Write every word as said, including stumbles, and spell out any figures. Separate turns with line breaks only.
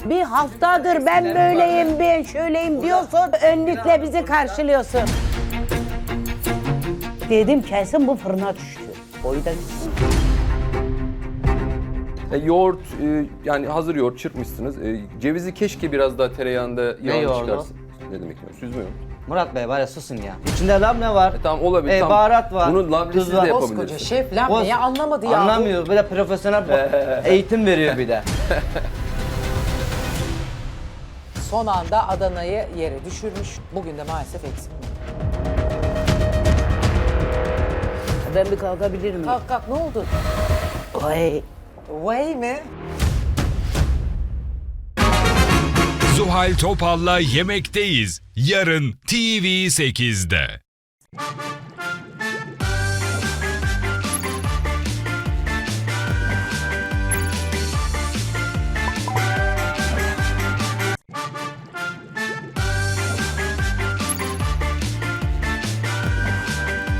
Bir haftadır ben böyleyim, ben şöyleyim diyorsun. Önlükle bizi karşılıyorsun. Dedim kesin bu fırına düştü. Boyu da gitsin.
E, yoğurt, e, yani hazır yoğurt çırpmışsınız. E, cevizi keşke biraz daha tereyağında yağını
yoğurdu?
çıkarsın. Ne demek ya? Süzme yoğurt.
Murat Bey var ya susun ya. İçinde labne var.
E, tamam olabilir.
E,
tamam.
baharat var.
Bunu lablesiz
tuz var.
de
Koskoca
yapabilirsin.
şef labneyi
Boz-
anlamadı ya.
Anlamıyor. Böyle profesyonel eğitim veriyor bir de.
Son anda Adana'yı yere düşürmüş. Bugün de maalesef eksik.
Ben bir kalkabilir miyim?
Kalk kalk ne oldu?
Ay.
Vay mi?
Zuhal Topal'la Yemekteyiz. Yarın T V sekizde.